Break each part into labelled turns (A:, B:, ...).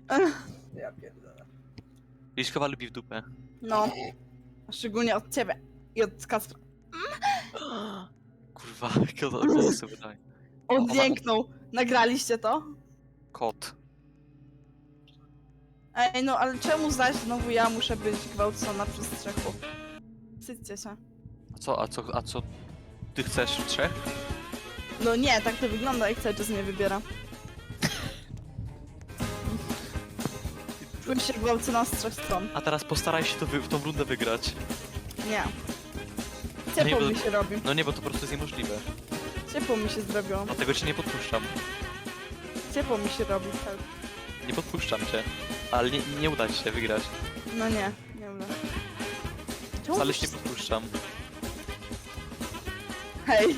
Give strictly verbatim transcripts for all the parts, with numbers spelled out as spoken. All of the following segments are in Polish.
A: Ja pierdolę.
B: Liszkowa lubi w dupę.
C: No. A szczególnie od ciebie. I od Kacpra.
B: Kurwa, jakie to głosy wydaje.
C: Odjęknął. Nagraliście to?
B: Kot.
C: Ej, no ale czemu zaś znowu ja muszę być gwałcona przez trzech chłopów? Wstydźcie się.
B: A co, a co, a co? Ty chcesz w trzech?
C: No nie, tak to wygląda, jak cały czas mnie wybiera. Czuję się gwałcona z trzech stron.
B: A teraz postaraj się to wy, w tą rundę wygrać.
C: Nie.
B: Nie,
C: Ciepło
B: bo-
C: mi się robi.
B: No nie, bo to po prostu jest niemożliwe.
C: Ciepło mi się zrobiło.
B: Dlatego cię nie podpuszczam.
C: Ciepło mi się robi. Tak.
B: Nie podpuszczam cię. Ale nie, nie uda ci się wygrać.
C: No nie, nie wiem. Czemu
B: Wcale
C: ty
B: się nie podpuszczam.
C: Hej!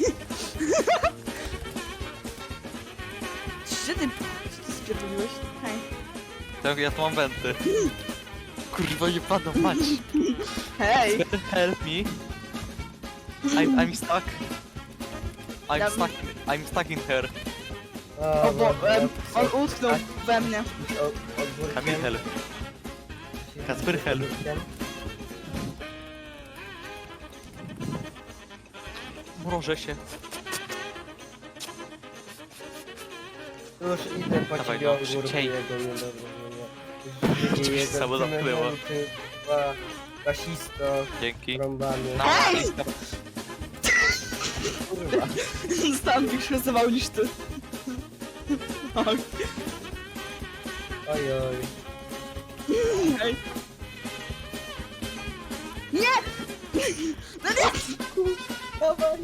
C: Gdzie ty... Co ty spierdoliłeś? Hej.
B: Tak, ja tu mam wenty. Kurwa, nie padną, mać.
C: Hej!
B: Help me. I'm, I'm stuck. I'm
C: Ja-
B: stuck. I'm stuck in her.
C: O, bo, em, on utknął we mnie.
B: Kamil, help. Kacper, help. Mrożę się.
A: Już idę po
B: Dawaj,
A: ciebie,
B: no, szybciej.
A: ogórkuję go, nie dobra, nie, nie.
B: Cię
A: Jego
B: samo zamknęło.
A: ty, kurwa, Rasisto,
B: Dzięki.
A: rąbany.
B: Na-
C: Hej!
A: Kurwa.
C: Zostałam większy rysował niż ty. Oj,
A: Oj, oj.
C: hej. Nie! No nie!
A: Dawaj.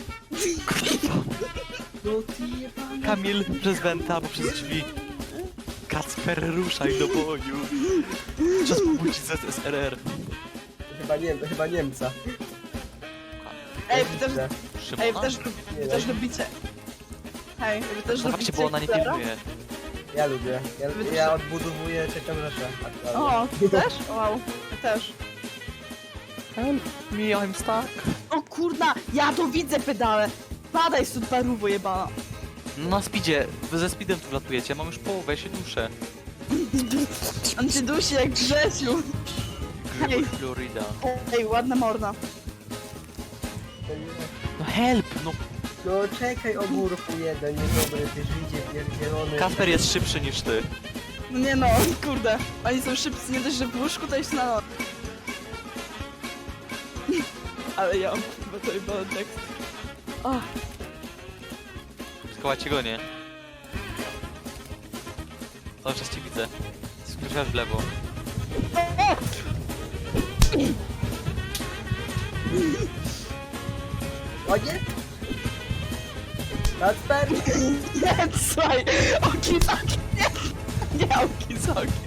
A: No ty jebany.
B: Kamil, przez wenta albo przez drzwi. Kacper, ruszaj do boju. Czas pobudzić Z S R R.
A: Chyba nie, chyba Niemca.
C: Ej, wy też, ej,
B: Szymona?
C: wy też, wy też lubicie. Hej, wy też
B: Dawajcie,
C: lubicie
B: bo ona nie
C: Hitlera?
B: pilnuje.
A: Ja lubię. Ja,
C: Wy też-
A: ja odbudowuję trzecią Rzeszę. aktualnie.
C: O, ty też? Wow, ja też.
B: Help me, I'm stuck.
C: O kurna, ja to widzę pedale. Padaj stąd parówo jebana.
B: No na speedzie, wy ze speedem tu latujecie, mam już połowę, ja się duszę.
C: On cię dusi jak Grzesiu. Hej.
B: Grybo Florida.
C: Ej, ładna morda.
B: No help, no.
A: No czekaj, ogórku jeden, niedobry, ty Żydzie pierdzielony.
B: Kasper jest szybszy niż ty.
C: No nie no, kurde. Oni są szybcy, nie dość, że w łóżku to jeszcze na noc. Ale ja mam kurwa to chyba tekst. O,
B: Skołacie go, nie? Cały czas cię widzę. Skrzywasz w lewo.
A: O nie! Kacper!
C: nie, słuchaj, oki soki, nie, nie oki soki.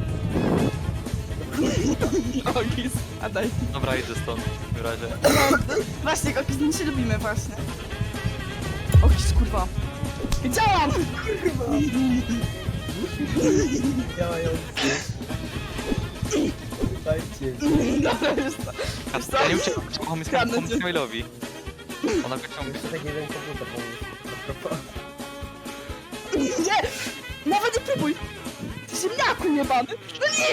C: Oki, spadaj.
B: Dobra, idę stąd w takim razie.
C: No, właśnie, oki, my się lubimy właśnie. Oki, kurwa. Wiedziałam!
A: Działający. Dajcie.
C: Dobra, już to.
B: Kasper, ja nie uciekam, pomóc
C: Kradnę cię.
B: pomóc Kamilowi. Ona go ciągnie.
A: Jeszcze tak jeden komputer pomóż.
C: Nie! Nawet nie próbuj! Ty ziemniaku jebany! No nie!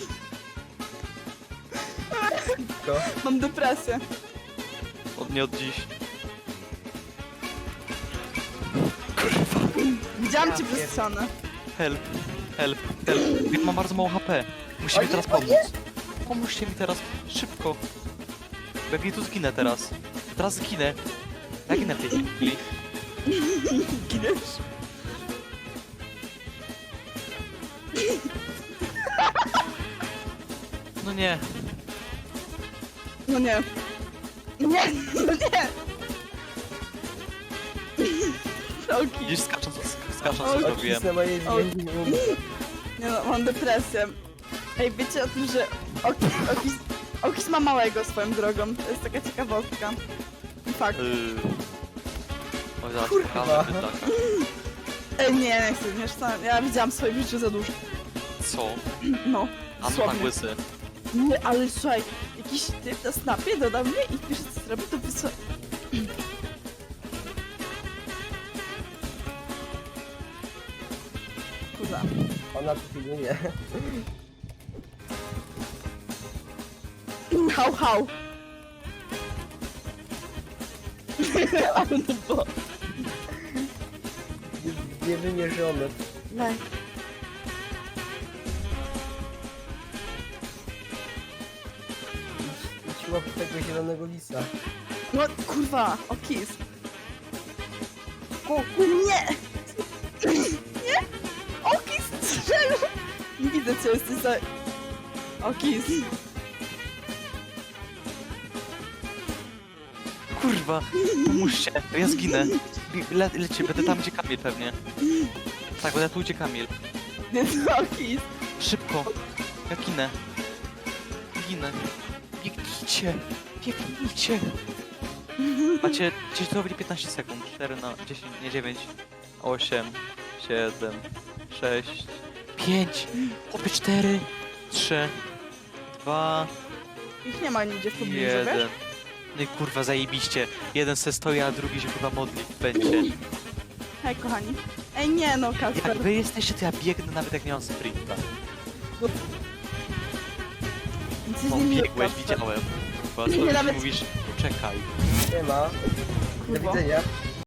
A: To?
C: Mam depresję.
B: Od nie od dziś.
C: Widziałam
A: Ja
C: cię przez
A: pierd-
C: ścianę.
B: Help, help, help. Ja mam bardzo mało H P. Musimy
A: O nie,
B: teraz
A: o
B: pomóc.
A: nie!
B: Pomóżcie mi teraz, szybko. Bo jak nie tu zginę teraz. Teraz zginę. Ja ginę w tej chwili.
C: Giniesz?
B: No nie.
C: No nie. Nie, no nie! Oki.
B: Gdzieś skacząc, sk- skacząc
C: O,
B: co zrobiłem.
A: Na mojej
C: O.
A: zmiennie
C: Nie no, mam depresję. Ej, wiecie o tym, że Okis, Okis, Okis ma małego swoją drogą. To jest taka ciekawostka. Fakt.
B: Yy. Oj, zaraz
A: Kurwa.
B: pokażę bydlaka.
C: Ej, nie, nie chcę, wiesz co? Ja widziałam w swoim życiu za dużo.
B: Co?
C: No,
B: A no tak
C: słownie.
B: łysy.
C: Nie, ale słuchaj, jakiś typ na snapie dodał mnie i pisze co zrobi, to wysła... Kurwa.
A: Ona tu pilnuje.
C: Hał, hał. Ale to było...
A: Jest niewymierzony.
C: Le.
A: Idź, idź łap tego zielonego lisa.
C: No kurwa, o kiss. O kur... Nie! Nie! O kiss strzelił! Nie widzę co jesteś za... O kiss.
B: Kurwa, pomóżcie, ja zginę. Bi- Le lecie, będę tam, gdzie Kamil pewnie. Tak, będę tu, gdzie Kamil.
C: Nie, o kiss.
B: Szybko, ja ginę. Ginę. Biegnijcie, biegnijcie. Macie, gdzieś to robi piętnaście sekund. cztery na dziesięć, nie dziewięć, osiem, siedem, sześć, pięć, chłopie cztery, trzy, dwa,
C: Ich nie ma nigdzie w pobliżu,
B: jeden.
C: wiesz?
B: No i kurwa zajebiście. Jeden se stoi, a drugi się chyba modli w pęcie.
C: Hej kochani. Ej nie no, Kasper.
B: Jak wy jesteście, to ja biegnę nawet jak nie mam sprinta.
C: Jesteś
B: No
C: niemiły,
B: biegłeś,
C: Kasper.
B: widziałem. Bo
C: Nie,
B: ty
C: nawet-
B: mówisz, czekaj.
A: Nie ma. Do
C: Kurwa.
A: widzenia.